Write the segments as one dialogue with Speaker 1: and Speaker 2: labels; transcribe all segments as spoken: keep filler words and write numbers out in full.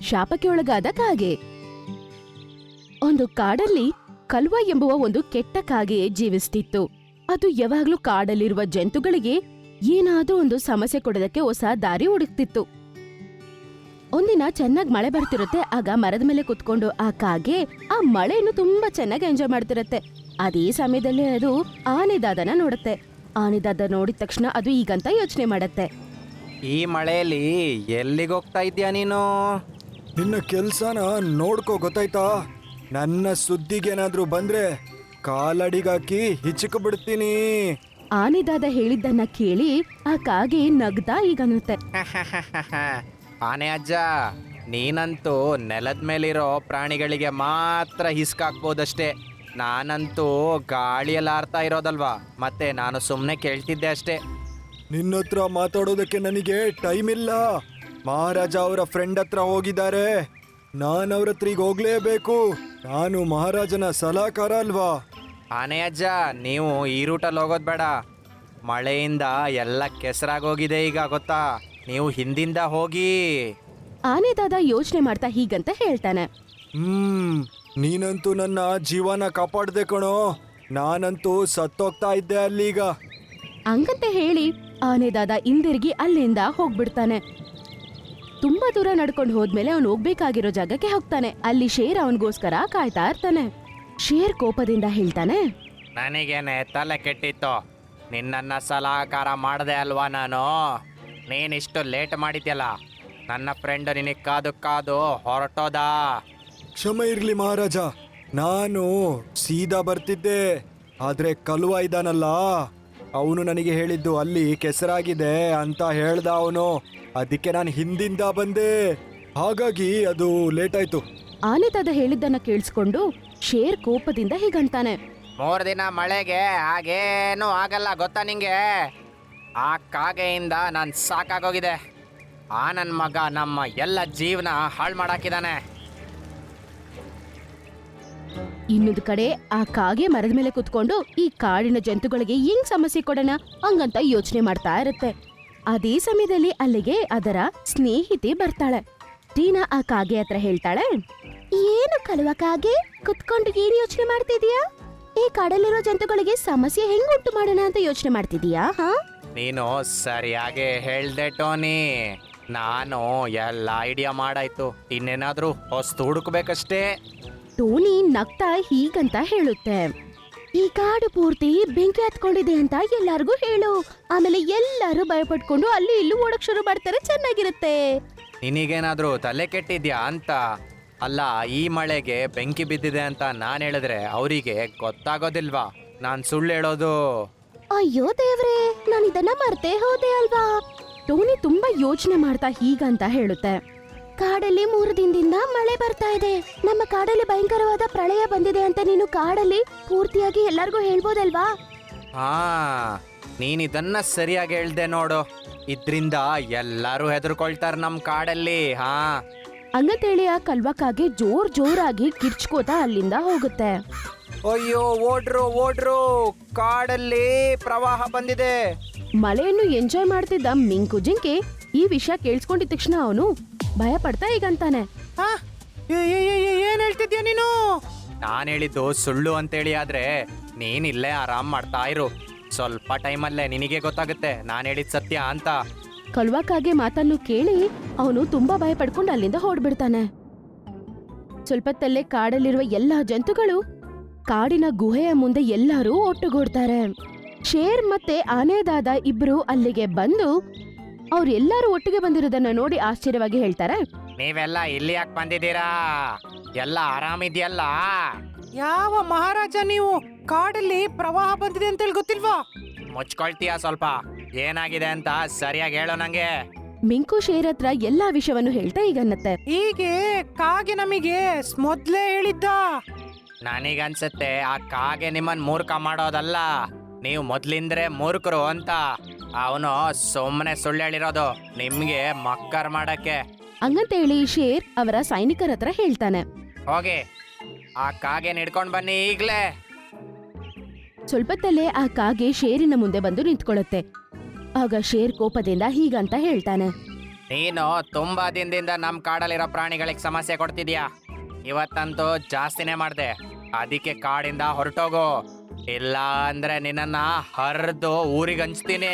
Speaker 1: ಶಾಪಕ್ಕೆ ಒಳಗಾದ ಕಾಗೆ. ಒಂದು ಕಾಡಲ್ಲಿ ಕಲ್ವ ಎಂಬುವ ಒಂದು ಕೆಟ್ಟ ಕಾಗೆ ಜೀವಿಸ್ತಿತ್ತು. ಅದು ಯಾವಾಗ್ಲೂ ಕಾಡಲ್ಲಿರುವ ಜಂತುಗಳಿಗೆ ಏನಾದ್ರೂ ಒಂದು ಸಮಸ್ಯೆ ಕೊಡೋದಕ್ಕೆ ಹೊಸ ದಾರಿ ಹುಡುಕ್ತಿತ್ತು. ಒಂದಿನ ಚೆನ್ನಾಗ್ ಮಳೆ ಬರ್ತಿರುತ್ತೆ. ಆಗ ಮರದ ಮೇಲೆ ಕುತ್ಕೊಂಡು ಆ ಕಾಗೆ ಆ ಮಳೆಯನ್ನು ತುಂಬಾ ಚೆನ್ನಾಗಿ ಎಂಜಾಯ್ ಮಾಡ್ತಿರತ್ತೆ. ಅದೇ ಸಮಯದಲ್ಲಿ ಅದು ಆನೆದಾದನ ನೋಡುತ್ತೆ. ಆನೆದಾದ ನೋಡಿದ ತಕ್ಷಣ ಅದು ಈಗಂತ ಯೋಚನೆ ಮಾಡತ್ತೆ.
Speaker 2: ಈ ಮಳೆಯಲ್ಲಿ ಎಲ್ಲಿಗೆ ಹೋಗ್ತಾ ಇದ್ಯಾ ನೀನು?
Speaker 3: ನಿನ್ನ ಕೆಲ್ಸನ ನೋಡ್ಕೋ, ಗೊತ್ತಾಯ್ತಾ? ನನ್ನ ಸುದ್ದಿಗೇನಾದ್ರೂ ಬಂದ್ರೆ ಕಾಲಡಿಗಾಕಿ ಹಿಚಕ ಬಿಡ್ತೀನಿ.
Speaker 1: ಆನೆದಾದ ಹೇಳಿದ್ದನ್ನ ಕೇಳಿ ಆ ಕಾಗೆ ನಗ್ತಾ ಈಗನ್ನುತ್ತೆ.
Speaker 2: ಆನೆ ಅಜ್ಜ, ನೀನಂತೂ ನೆಲದ ಮೇಲಿರೋ ಪ್ರಾಣಿಗಳಿಗೆ ಮಾತ್ರ ಹಿಸ್ಕಾಕ್ಬೋದಷ್ಟೇ. ನಾನಂತೂ ಗಾಳಿಯಲ್ಲಿ ಆರ್ತಾ ಇರೋದಲ್ವಾ, ಮತ್ತೆ ನಾನು ಸುಮ್ಮನೆ ಕೇಳ್ತಿದ್ದೆ ಅಷ್ಟೇ.
Speaker 3: ನಿನ್ನ ಹತ್ರ ಮಾತಾಡೋದಕ್ಕೆ ನನಗೆ ಟೈಮ್ ಇಲ್ಲ. ಮಹಾರಾಜ ಅವರ ಫ್ರೆಂಡ್ ಹತ್ರ ಹೋಗಿದ್ದಾರೆ. ನಾನು ಅವ್ರ ಹತ್ರ ಈಗ ಹೋಗ್ಲೇಬೇಕು. ನಾನು ಮಹಾರಾಜನ ಸಲಹೆಗಾರ ಅಲ್ವಾ?
Speaker 2: ಆನೆ ಅಜ್ಜ, ನೀವು ಈ ರೂಟಲ್ಲಿ ಹೋಗೋದು ಬೇಡ. ಮಳೆಯಿಂದ ಎಲ್ಲ ಕೆಸರಾಗೋಗಿದೆ ಈಗ, ಗೊತ್ತಾ? ನೀವು ಹಿಂದಿಂದ ಹೋಗಿ.
Speaker 1: ಆನೆದಾದ ಯೋಚನೆ ಮಾಡ್ತಾ ಹೀಗಂತ ಹೇಳ್ತಾನೆ.
Speaker 3: ಹ್ಮ್ ನೀನಂತೂ ನನ್ನ ಜೀವನ ಕಾಪಾಡ್ದೆ ಕಣೋ. ನಾನಂತೂ ಸತ್ತೋಗ್ತಾ ಇದ್ದೆ ಅಲ್ಲೀಗ.
Speaker 1: ಹಂಗಂತ ಹೇಳಿ ಆನೆದಾದ ಹಿಂದಿರುಗಿ ಅಲ್ಲಿಂದ ಹೋಗ್ಬಿಡ್ತಾನೆ. ತುಂಬಾ ದೂರ ನಡ್ಕೊಂಡು ಹೋದ್ಮೇಲೆ ಅವನು ಹೋಗ್ಬೇಕಾಗಿರೋ ಜಾಗಕ್ಕೆ ಹೋಗ್ತಾನೆ. ಅಲ್ಲಿ ಶೇರ್ ಅವನಿಗೋಸ್ಕರ ಕಾಯ್ತಾ ಇರ್ತಾನೆ. ಶೇರ್ ಕೋಪದಿಂದ ಹೇಳ್ತಾನೆ,
Speaker 2: ನನಗೇನೆ ತಲೆ ಕೆಟ್ಟಿತ್ತು. ನಿನ್ನನ್ನ ಸಲಹಕಾರ ಮಾಡಿದೆ ಅಲ್ವಾ ನಾನು? ನೀನಿಷ್ಟು ಲೇಟ್ ಮಾಡಿದ್ಯಲ್ಲ. ನನ್ನ ಫ್ರೆಂಡ್ ನಿನಗೆ ಕಾದು ಕಾದು ಹೊರಟೋದಾ?
Speaker 3: ಕ್ಷಮೆ ಇರ್ಲಿ ಮಹಾರಾಜ, ನಾನು ಸೀದಾ ಬರ್ತಿದ್ದೆ. ಆದ್ರೆ ಕಲ್ವ ಇದ್ದಾನಲ್ಲ, ಅವನು ನನಗೆ ಹೇಳಿದ್ದು ಅಲ್ಲಿ ಕೆಸರಾಗಿದೆ ಅಂತ ಹೇಳ್ದ ಅವನು. ಅದಕ್ಕೆ ನಾನು ಹಿಂದಿಂದ ಬಂದೆ. ಹಾಗಾಗಿ ಅದು ಲೇಟ್ ಆಯ್ತು.
Speaker 1: ಆನೆದಾದ ಹೇಳಿದ್ದನ್ನ ಕೇಳಿಸ್ಕೊಂಡು ಶೇರ್ ಕೋಪದಿಂದ ಹೀಗಂತಾನೆ,
Speaker 2: ಮೂರು ದಿನ ಮಳೆಗೆ ಹಾಗೇನೂ ಆಗಲ್ಲ, ಗೊತ್ತಾ ನಿಂಗೆ? ಆ ಕಾಗೆಯಿಂದ ನಾನು ಸಾಕಾಗೋಗಿದೆ. ಆ ನನ್ನ ಮಗ ನಮ್ಮ ಎಲ್ಲ ಜೀವನ ಹಾಳು ಮಾಡಾಕಿದ್ದಾನೆ.
Speaker 1: ಇನ್ನೊಂದು ಕಡೆ ಆ ಕಾಗೆ ಮರದ ಮೇಲೆ ಕುತ್ಕೊಂಡು ಈ ಕಾಡಿನ ಜಂತುಗಳಿಗೆ ಹೆಂಗ್ ಸಮಸ್ಯೆ ಕೊಡೋಣ ಹಂಗಂತ ಯೋಚನೆ ಮಾಡ್ತಾ ಇರುತ್ತೆ. ಅದೇ ಸಮಯದಲ್ಲಿ ಅಲ್ಲಿಗೆ ಅದರ ಸ್ನೇಹಿತೆ ಬರ್ತಾಳೆ. ಟೀನಾ ಆ ಕಾಗೆ ಹತ್ರ ಹೇಳ್ತಾಳೆ, ಏನು ಕಲ್ವ ಕಾಗೆ, ಕುತ್ಕೊಂಡು ಏನ್ ಯೋಚನೆ ಮಾಡ್ತಿದೀಯಾ? ಈ ಕಾಡಲ್ಲಿರೋ ಜಂತುಗಳಿಗೆ ಸಮಸ್ಯೆ ಹೆಂಗ್ ಉಂಟು ಮಾಡೋಣ ಅಂತ ಯೋಚನೆ ಮಾಡ್ತಿದೀಯಾ? ಹಾ,
Speaker 2: ನೀನು ಸರಿಯಾಗಿ ಹೇಳ್ದೆ ಟೋನಿ. ನಾನು ಎಲ್ಲ ಐಡಿಯಾ ಮಾಡಾಯ್ತು. ಇನ್ನೇನಾದ್ರೂ ಹೊಸ್ತು ಹುಡುಕ್ಬೇಕಷ್ಟೇ.
Speaker 1: ಟೋನಿ ನಗ್ತಾ ಹೀಗಂತ ಹೇಳುತ್ತೆ, ಈ ಕಾಡು ಪೂರ್ತಿ ಬೆಂಕಿ ಹತ್ಕೊಂಡಿದೆ ಅಂತ ಎಲ್ಲಾರ್ಗೂ ಹೇಳು. ಆಮೇಲೆ ಎಲ್ಲರೂ ಭಯಪಟ್ಕೊಂಡು ಅಲ್ಲಿ ಇಲ್ಲೂ ಓಡಕ್ ಶುರು ಮಾಡ್ತಾರೆ. ಚೆನ್ನಾಗಿರುತ್ತೆ.
Speaker 2: ನಿನಗೇನಾದ್ರೂ ತಲೆ ಕೆಟ್ಟಿದ್ಯಾ ಅಂತ? ಅಲ್ಲ, ಈ ಮಳೆಗೆ ಬೆಂಕಿ ಬಿದ್ದಿದೆ ಅಂತ ನಾನು ಹೇಳಿದ್ರೆ ಅವರಿಗೆ ಗೊತ್ತಾಗೋದಿಲ್ವಾ ನಾನು ಸುಳ್ಳು ಹೇಳೋದು?
Speaker 1: ಅಯ್ಯೋ ದೇವ್ರೆ, ನಾನು ಇದನ್ನ ಮರ್ತೇ ಹೋದೆ ಅಲ್ವಾ. ಟೋನಿ ತುಂಬಾ ಯೋಚನೆ ಮಾಡ್ತಾ ಹೀಗಂತ ಹೇಳುತ್ತೆ, ಕಾಡಲ್ಲಿ ಮೂರು ದಿನದಿಂದ ಮಳೆ ಬರ್ತಾ ಇದೆ. ನಮ್ಮ ಕಾಡಲ್ಲಿ ಭಯಂಕರವಾದ ಪ್ರಳಯ ಬಂದಿದೆ ಅಂತ ನೀನು ಕಾಡಲ್ಲಿ ಪೂರ್ತಿಯಾಗಿ ಎಲ್ಲಾರ್ಗೂ ಹೇಳ್ಬೋದಲ್ವಾ?
Speaker 2: ಹಾ, ನೀನಿದನ್ನ ಸರಿಯಾಗಿ ಹೇಳ್ದೆ ನೋಡು. ಇದ್ರಿಂದ ಎಲ್ಲರೂ ಹೆದರ್ಕೊಳ್ತಾರ ನಮ್ ಕಾಡಲ್ಲಿ. ಹಾ,
Speaker 1: ಹಂಗಂತೇಳಿ ಆ ಕಲ್ವಕ್ಕಾಗಿ ಜೋರ್ ಜೋರಾಗಿ ಕಿರ್ಚ್ಕೋತಾ ಅಲ್ಲಿಂದ ಹೋಗುತ್ತೆ.
Speaker 2: ಅಯ್ಯೋ, ಓಡ್ರು ಓಡ್ರು, ಕಾಡಲ್ಲಿ ಪ್ರವಾಹ ಬಂದಿದೆ.
Speaker 1: ಮಳೆಯನ್ನು ಎಂಜಾಯ್ ಮಾಡ್ತಿದ್ದ ಮಿಂಕು ಜಿಂಕೆ ಈ ವಿಷಯ ಕೇಳಿಸ್ಕೊಂಡಿದ ತಕ್ಷಣ ಅವನು ಭಯ ಪಡ್ತಾ ಈಗಂತಾನೆ,
Speaker 2: ಏನ್ ಹೇಳ್ತಿದ್ಯಾ ನೀನು? ನಾನ್ ಹೇಳಿದ್ದು ಸುಳ್ಳು ಅಂತೇಳಿ, ಆದ್ರೆ ನೀನ್ ಇಲ್ಲೇ ಆರಾಮ್ ಮಾಡ್ತಾ ಇರು. ಸ್ವಲ್ಪ ಟೈಮಲ್ಲೇ ನಿನಗೆ ಗೊತ್ತಾಗುತ್ತೆ ನಾನ್ ಹೇಳಿದ್ ಸತ್ಯ ಅಂತ.
Speaker 1: ಕಲ್ವಕ್ಕಾಗೆ ಮಾತನ್ನು ಕೇಳಿ ಅವನು ತುಂಬಾ ಭಯ ಪಡ್ಕೊಂಡು ಅಲ್ಲಿಂದ ಹೊರಡ್ಬಿಡ್ತಾನೆ. ಸ್ವಲ್ಪತ್ತಲ್ಲೇ ಕಾಡಲ್ಲಿರುವ ಎಲ್ಲಾ ಜಂತುಗಳು ಕಾಡಿನ ಗುಹೆಯ ಮುಂದೆ ಎಲ್ಲರೂ ಒಟ್ಟುಗೂಡ್ತಾರೆ. ಶೇರ್ ಮತ್ತೆ ಆನೆದಾದ ಇಬ್ರು ಅಲ್ಲಿಗೆ ಬಂದು ಅವ್ರೆಲ್ಲರೂ ಒಟ್ಟಿಗೆ ಬಂದಿರೋದನ್ನ ನೋಡಿ ಆಶ್ಚರ್ಯವಾಗಿ ಹೇಳ್ತಾರೆ,
Speaker 2: ನೀವೆಲ್ಲ ಇಲ್ಲಿ ಯಾಕೆ ಬಂದಿದ್ದೀರಾ? ಎಲ್ಲ ಆರಾಮಿದ್ಯಲ್ಲ? ಯಾವ ಮಹಾರಾಜ ನೀವು? ಕಾಡಲ್ಲಿ ಪ್ರವಾಹ ಬಂದಿದೆ ಅಂತೇಳಿ ಗೊತ್ತಿಲ್ವಾ? ಮುಚ್ಕೊಳ್ತೀಯ ಸ್ವಲ್ಪ? ಏನಾಗಿದೆ ಅಂತ ಸರಿಯಾಗಿ ಹೇಳೋ ನಂಗೆ.
Speaker 1: ಮಿಂಕು ಶೇರ್ ಹತ್ರ ಎಲ್ಲಾ ವಿಷಯವನ್ನು ಹೇಳ್ತಾ ಈಗನ್ನತ್ತೆ,
Speaker 2: ಹೀಗೆ ಕಾಗೆ ನಮಗೆ ಮೊದ್ಲೇ ಹೇಳಿದ್ದ. ನನಗನ್ಸತ್ತೆ ಆ ಕಾಗೆ ನಿಮ್ಮನ್ ಮೂರ್ಖ ಮಾಡೋದಲ್ಲ, ನೀವು ಮೊದ್ಲಿಂದ್ರೆ ಮೂರ್ಖರು ಅಂತ. ಅವನು ಸುಮ್ಮನೆ ಸುಳ್ಳು ಹೇಳಿರೋದು ನಿಮ್ಗೆ ಮಕ್ಕರ್ ಮಾಡಕ್ಕೆ.
Speaker 1: ಹಂಗಂತ ಹೇಳಿ ಶೇರ್ ಅವರ ಸೈನಿಕರ ಹತ್ರ ಹೇಳ್ತಾನೆ,
Speaker 2: ಹೋಗಿ ಆ ಕಾಗೆ ಹಿಡ್ಕೊಂಡ್ ಬನ್ನಿ ಈಗ್ಲೇ.
Speaker 1: ಸ್ವಲ್ಪತ್ತಲ್ಲೇ ಆ ಕಾಗೆ ಶೇರಿನ ಮುಂದೆ ಬಂದು ನಿಂತ್ಕೊಳ್ಳುತ್ತೆ. ಆಗ ಶೇರ್ ಕೋಪದಿಂದ ಹೀಗಂತ ಹೇಳ್ತಾನೆ,
Speaker 2: ನೀನು ತುಂಬಾ ದಿನದಿಂದ ನಮ್ಮ ಕಾಡಲ್ಲಿರೋ ಪ್ರಾಣಿಗಳಿಗೆ ಸಮಸ್ಯೆ ಕೊಡ್ತಿದ್ಯಾ. ಇವತ್ತಂತೂ ಜಾಸ್ತಿನೇ ಮಾಡ್ದೆ. ಅದಕ್ಕೆ ಕಾಡಿಂದ ಹೊರಟೋಗು, ಇಲ್ಲ ಅಂದ್ರೆ ನಿನ್ನನ್ನ ಹರಿದು ಊರಿಗೆ ಹಂಚ್ತೀನಿ.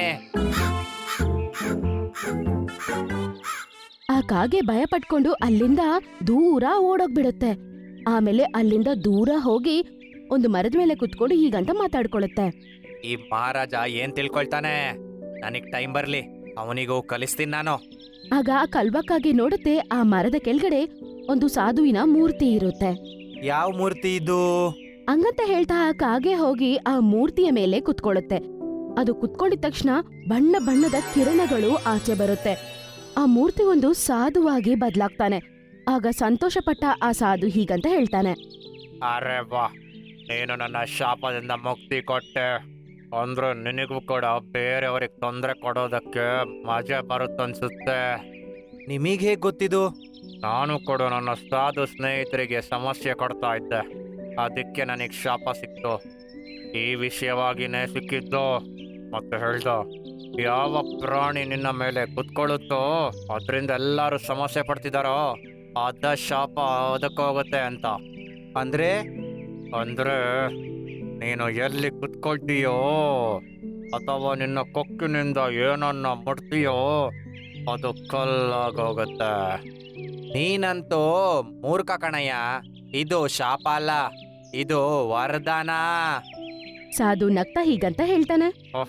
Speaker 1: ಆ ಕಾಗೆ ಭಯ ಪಟ್ಕೊಂಡು ಅಲ್ಲಿಂದ ದೂರ ಓಡೋಗ್ಬಿಡುತ್ತೆ. ಆಮೇಲೆ ಅಲ್ಲಿಂದ ದೂರ ಹೋಗಿ ಒಂದು ಮರದ ಮೇಲೆ ಕುತ್ಕೊಂಡು ಹೀಗಂತ ಮಾತಾಡ್ಕೊಳುತ್ತೆ.
Speaker 2: ಈ ಮಹಾರಾಜ ಏನ್ ತಿಳ್ಕೊಳ್ತಾನೆ? ನನಗ್ ಟೈಮ್ ಬರ್ಲಿ, ಅವನಿಗೂ ಕಲಿಸ್ತೀನಿ ನಾನು.
Speaker 1: ಆಗ ಆ ಕಲ್ವ ಕಾಗೆ ನೋಡುತ್ತೆ, ಆ ಮರದ ಕೆಳಗಡೆ ಒಂದು ಸಾಧುವಿನ ಮೂರ್ತಿ ಇರುತ್ತೆ.
Speaker 2: ಯಾವ ಮೂರ್ತಿ ಇದು?
Speaker 1: ಹಂಗಂತ ಹೇಳ್ತಾ ಆ ಕಾಗೆ ಹೋಗಿ ಆ ಮೂರ್ತಿಯ ಮೇಲೆ ಕುತ್ಕೊಳ್ಳುತ್ತೆ. ಅದು ಕುತ್ಕೊಂಡಿದ ತಕ್ಷಣ ಬಣ್ಣ ಬಣ್ಣದ ಕಿರಣಗಳು ಆಚೆ ಬರುತ್ತೆ. ಆ ಮೂರ್ತಿ ಒಂದು ಸಾಧುವಾಗಿ ಬದಲಾಗ್ತಾನೆ. ಆಗ ಸಂತೋಷಪಟ್ಟ ಆ ಸಾಧು ಹೀಗಂತ ಹೇಳ್ತಾನೆ.
Speaker 2: ಅರೆ ವಾ, ನೀನು ನನ್ನ ಶಾಪದಿಂದ ಮುಕ್ತಿ ಕೊಟ್ಟೆ. ಅಂದ್ರೆ ನಿನಗೂ ಕೂಡ ಬೇರೆಯವ್ರಿಗೆ ತೊಂದರೆ ಕೊಡೋದಕ್ಕೆ ಮಜಾ ಬರುತ್ತನ್ಸುತ್ತೆ. ನಿಮಗೆ ಹೇಗೆ ಗೊತ್ತಿದು? ನಾನು ಕೂಡ ನನ್ನ ಸಾಧು ಸ್ನೇಹಿತರಿಗೆ ಸಮಸ್ಯೆ ಕೊಡ್ತಾ ಇದ್ದೆ, ಅದಕ್ಕೆ ನನಗೆ ಶಾಪ ಸಿಕ್ತು. ಈ ವಿಷಯವಾಗಿನೇ ಸಿಕ್ಕಿದ್ದು. ಮತ್ತೆ ಹೇಳ್ದ, ಯಾವ ಪ್ರಾಣಿ ನಿನ್ನ ಮೇಲೆ ಕುತ್ಕೊಳ್ಳುತ್ತೋ ಅದರಿಂದ ಎಲ್ಲರೂ ಸಮಸ್ಯೆ ಪಡ್ತಿದಾರೋ ಅದ ಶಾಪ ಅದಕ್ಕೋಗುತ್ತೆ ಅಂತ. ಅಂದ್ರೆ ಅಂದ್ರೆ ನೀನು ಎಲ್ಲಿ ಕುತ್ಕೊಳ್ತೀಯೋ ಅಥವಾ ನಿನ್ನ ಕೊಕ್ಕಿನಿಂದ ಏನನ್ನ ಮುಟ್ತೀಯೋ ಅದು ಕಲ್ಲಾಗೋಗುತ್ತೆ. ನೀನಂತೂ ಮೂರ್ಖ ಕಣಯ್ಯ, ಇದು ಶಾಪ ಅಲ್ಲ, ಇದು ವರದಾನ.
Speaker 1: ಸಾಧು ನಗ್ತಾ ಹೀಗಂತ ಹೇಳ್ತಾನೆ.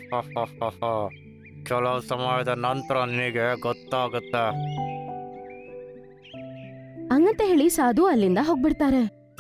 Speaker 2: ಕೆಲವು ಸಮಯದ ನಂತರ ನಿನಗೆ ಗೊತ್ತಾಗುತ್ತೆ.
Speaker 1: ಹಂಗಂತ ಹೇಳಿ ಸಾಧು ಅಲ್ಲಿಂದ ಹೋಗ್ಬಿಡ್ತಾರೆ.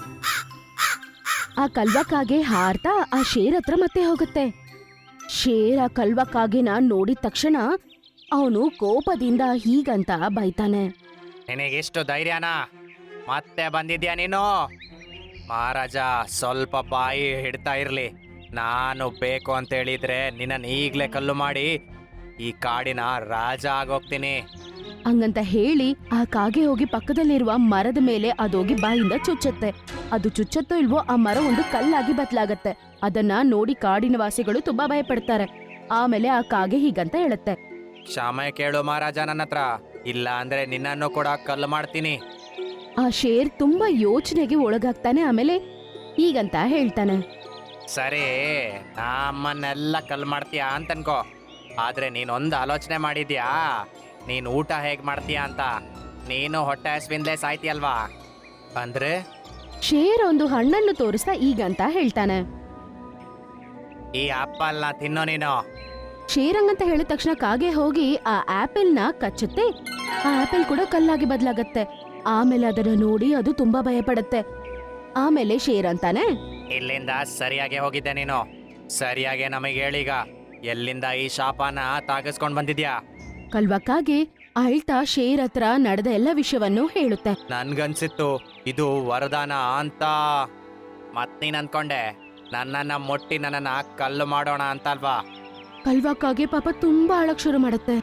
Speaker 1: ಆ ಕಲ್ವ ಕಾಗೆ ಹಾರ್ತಾ ಆ ಶೇರ್ ಹತ್ರ ಮತ್ತೆ ಹೋಗುತ್ತೆ. ಶೇರ್ ಆ ಕಲ್ವ ಕಾಗೆನ ನೋಡಿದ ತಕ್ಷಣ ಅವನು ಕೋಪದಿಂದ ಹೀಗಂತ ಬೈತಾನೆ.
Speaker 2: ನಿನಗೆಷ್ಟು ಧೈರ್ಯನಾ? ಮತ್ತೆ ಬಂದಿದ್ಯಾ ನೀನು? ಮಹಾರಾಜ ಸ್ವಲ್ಪ ಬಾಯಿ ಹಿಡ್ತಾ ಇರ್ಲಿ. ನಾನು ಬೇಕು ಅಂತ ಹೇಳಿದ್ರೆ ನಿನ್ನನ್ನು ಈಗ್ಲೇ ಕಲ್ಲು ಮಾಡಿ ಈ ಕಾಡಿನ ರಾಜ ಆಗೋಗ್ತೀನಿ.
Speaker 1: ಹಂಗಂತ ಹೇಳಿ ಆ ಕಾಗೆ ಹೋಗಿ ಪಕ್ಕದಲ್ಲಿರುವ ಮರದ ಮೇಲೆ ಅದೋಗಿ ಬಾಯಿಂದ ಚುಚ್ಚುತ್ತೆ. ಅದು ಚುಚ್ಚತ್ತೋ ಇಲ್ವೋ ಆ ಮರ ಒಂದು ಕಲ್ಲಾಗಿ ಬದಲಾಗತ್ತೆ. ಅದನ್ನ ನೋಡಿ ಕಾಡಿನ ವಾಸಿಗಳು ತುಂಬಾ ಭಯ ಪಡ್ತಾರೆ. ಆಮೇಲೆ ಆ ಕಾಗೆ ಹೀಗಂತ ಹೇಳುತ್ತೆ.
Speaker 2: ಕ್ಷಮೆ ಕೇಳು ಮಹಾರಾಜ ನನ್ನ ಹತ್ರ, ಇಲ್ಲ ಅಂದ್ರೆ ನಿನ್ನನ್ನು ಕೂಡ ಕಲ್ಲು ಮಾಡ್ತೀನಿ.
Speaker 1: ಆ ಶೇರ್ ತುಂಬಾ ಯೋಚನೆಗೆ ಒಳಗಾಗ್ತಾನೆ. ಆಮೇಲೆ ಹೀಗಂತ ಹೇಳ್ತಾನೆ.
Speaker 2: ಸರಿ, ನಮ್ಮನ್ನೆಲ್ಲ ಕಲ್ಲು ಮಾಡ್ತೀಯಾ ಅಂತ ಅನ್ಕೋ, ಆದ್ರೆ ನೀನೊಂದು ಆಲೋಚನೆ ಮಾಡಿದ್ಯಾ? ನೀನು ಊಟ ಹೇಗೆ ಮಾಡ್ತೀಯಾ ಅಂತ. ನೀನು ಹೊಟ್ಟೆ ಹಸ್ವಿಂದಲೇ ಸಾಯ್ತೀಯಲ್ವಾ? ಅಂದ್ರೆ
Speaker 1: ಶೇರ್ ಒಂದು ಹಣ್ಣನ್ನು ತೋರಿಸ್ತಾ ಈಗಂತ ಹೇಳ್ತಾನೆ.
Speaker 2: ಈ ಆಪಲ್ನ ತಿನ್ನೋ ನೀನು.
Speaker 1: ಶೇರ್ ಹಂಗಂತ ಹೇಳಿದ ತಕ್ಷಣ ಕಾಗೆ ಹೋಗಿ ಆ ಆಪಲ್ ನ ಕಚ್ಚುತ್ತೆ. ಆ ಆಪಲ್ ಕೂಡ ಕಲ್ಲಾಗಿ ಬದಲಾಗತ್ತೆ. ಆಮೇಲೆ ಅದನ್ನ ನೋಡಿ ಅದು ತುಂಬಾ ಭಯ ಪಡುತ್ತೆ. ಆಮೇಲೆ ಶೇರ್ ಅಂತಾನೆ.
Speaker 2: ಇಲ್ಲಿಂದ ಸರಿಯಾಗಿ ಹೋಗಿದ್ದೆ ನೀನು. ಸರಿಯಾಗಿ ನಮಗೆ ಹೇಳೀಗ, ಎಲ್ಲಿಂದ ಈ ಶಾಪನ ತಾಗಿಸ್ಕೊಂಡ್ ಬಂದಿದ್ಯಾ?
Speaker 1: ಕಲ್ವ ಕಾಗೆ ಅಳ್ತಾ ಶೇರ್ ಹತ್ರ ನಡೆದ ಎಲ್ಲ ವಿಷಯವನ್ನು ಹೇಳುತ್ತೆ.
Speaker 2: ನನ್ಗನ್ಸಿತ್ತು ಇದು ವರದಾನ ಅಂತ. ಮತ್ ನೀನ್ ಅನ್ಕೊಂಡೆ ನನ್ನನ್ನ ಮುಟ್ಟಿ ನನ್ನನ್ನ ಕಲ್ಲು ಮಾಡೋಣ ಅಂತ ಅಲ್ವಾ?
Speaker 1: ಕಲ್ವ ಕಾಗೆ ಪಾಪ ತುಂಬಾ ಅಳಕ್ ಶುರು ಮಾಡುತ್ತೆ.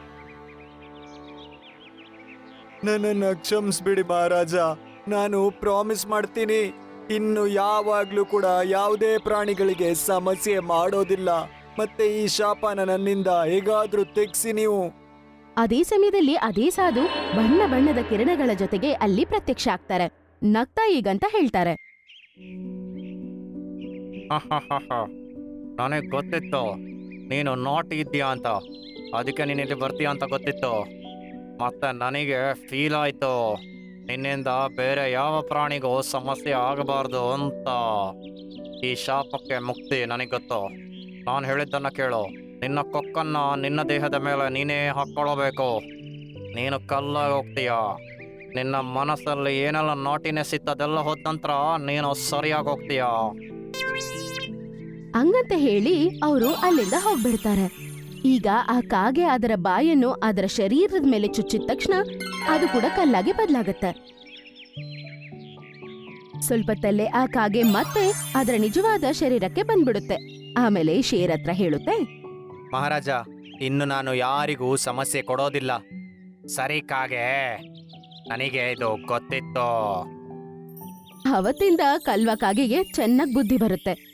Speaker 3: ನನ್ನನ್ನು ಕ್ಷಮಿಸ್ಬಿಡಿ ಮಹಾರಾಜ, ನಾನು ಪ್ರಾಮಿಸ್ ಮಾಡ್ತೀನಿ ಇನ್ನು ಯಾವಾಗ್ಲೂ ಕೂಡ ಯಾವುದೇ ಪ್ರಾಣಿಗಳಿಗೆ ಸಮಸ್ಯೆ ಮಾಡೋದಿಲ್ಲ. ಮತ್ತೆ ಈ ಶಾಪನ ನನ್ನಿಂದ ಹೇಗಾದ್ರೂ ತೆಗ್ಸಿ ನೀವು.
Speaker 1: ಅದೇ ಸಮಯದಲ್ಲಿ ಅದೇ ಸಾಧು ಬಣ್ಣ ಬಣ್ಣದ ಕಿರಣಗಳ ಜೊತೆಗೆ ಅಲ್ಲಿ ಪ್ರತ್ಯಕ್ಷ ಆಗ್ತಾರೆ. ನಗ್ತಾ ಈಗಂತ ಹೇಳ್ತಾರೆ.
Speaker 2: ನನಗೆ ಗೊತ್ತಿತ್ತು ನೀನು ನಾಟಿ ಇದ್ದೀಯಾ ಅಂತ, ಅದಕ್ಕೆ ನೀನು ಇಲ್ಲಿ ಬರ್ತೀಯ ಅಂತ ಗೊತ್ತಿತ್ತು. ಮತ್ತೆ ನನಗೆ ಫೀಲ್ ಆಯ್ತು ನಿನ್ನಿಂದ ಬೇರೆ ಯಾವ ಪ್ರಾಣಿಗೂ ಸಮಸ್ಯೆ ಆಗಬಾರ್ದು ಅಂತ. ಈ ಶಾಪಕ್ಕೆ ಮುಕ್ತಿ ನನಗೆ ಗೊತ್ತು. ನಾನು ಹೇಳಿದ್ದನ್ನ ಕೇಳು. ನಿನ್ನ ಕೊಕ್ಕನ್ನ ನಿನ್ನ ದೇಹದ ಮೇಲೆ ನೀನೇ ಹಾಕ್ಕೊಳ್ಳಬೇಕು. ನೀನು ಕಲ್ಲಾಗಿ ಹೋಗ್ತೀಯ. ನಿನ್ನ ಮನಸ್ಸಲ್ಲಿ ಏನೆಲ್ಲ ನಾಟಿನೆಸ್ ಇತ್ತು ಅದೆಲ್ಲ ಹೋದ ನಂತರ ನೀನು ಸರಿಯಾಗಿ ಹೋಗ್ತೀಯ.
Speaker 1: ಹಂಗಂತ ಹೇಳಿ ಅವರು ಅಲ್ಲಿಂದ ಹೋಗ್ಬಿಡ್ತಾರೆ. ಈಗ ಆ ಕಾಗೆ ಅದರ ಬಾಯನ್ನು ಅದರ ಶರೀರದ ಮೇಲೆ ಚುಚ್ಚಿದ ತಕ್ಷಣ ಅದು ಕೂಡ ಕಲ್ಲಾಗಿ ಬದಲಾಗತ್ತೆ. ಸ್ವಲ್ಪತ್ತಲ್ಲೇ ಆ ಕಾಗೆ ಮತ್ತೆ ಅದರ ನಿಜವಾದ ಶರೀರಕ್ಕೆ ಬಂದ್ಬಿಡುತ್ತೆ. ಆಮೇಲೆ ಶೇರ್ ಹತ್ರ ಹೇಳುತ್ತೆ.
Speaker 2: ಮಹಾರಾಜ, ಇನ್ನು ನಾನು ಯಾರಿಗೂ ಸಮಸ್ಯೆ ಕೊಡೋದಿಲ್ಲ. ಸರಿ ಕಾಗೆ, ನನಗೆ ಇದು ಗೊತ್ತಿತ್ತು.
Speaker 1: ಅವತ್ತಿಂದ ಕಲ್ವ ಕಾಗೆಗೆ ಚೆನ್ನಾಗ್ ಬುದ್ಧಿ ಬರುತ್ತೆ.